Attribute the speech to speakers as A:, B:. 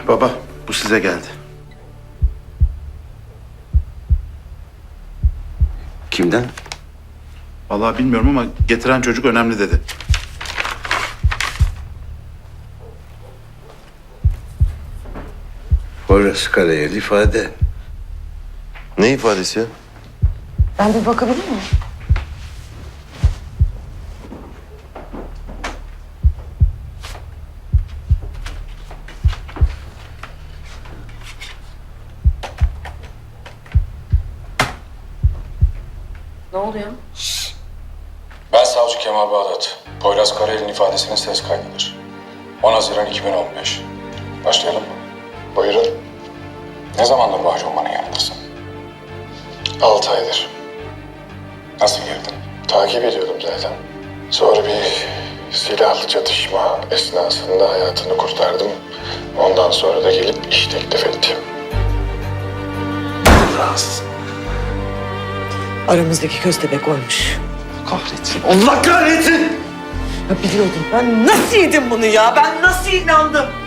A: Baba, bu size geldi.
B: Kimden?
A: Vallahi bilmiyorum ama getiren çocuk önemli dedi.
B: Poyraz Karayel ifade.
C: Ne ifadesi ya?
D: Ben bir bakabilir miyim? Ne oluyor?
E: Ben savcı Kemal Bağdat. Poyraz Karayel'in ifadesinin ses kaydıdır. 10 Haziran 2015. Başlayalım mı? Buyurun. Ne zamandır mahkumanın yanındasın? 6 aydır. Nasıl girdin? Takip ediyordum zaten. Sonra bir silahlı çatışma esnasında hayatını kurtardım. Ondan sonra da gelip iş teklif ettim.
D: Aramızdaki köstebek oymuş.
B: Kahretsin. Allah kahretsin!
D: Ya biliyordum. Ben nasıl yedim bunu ya? Ben nasıl inandım?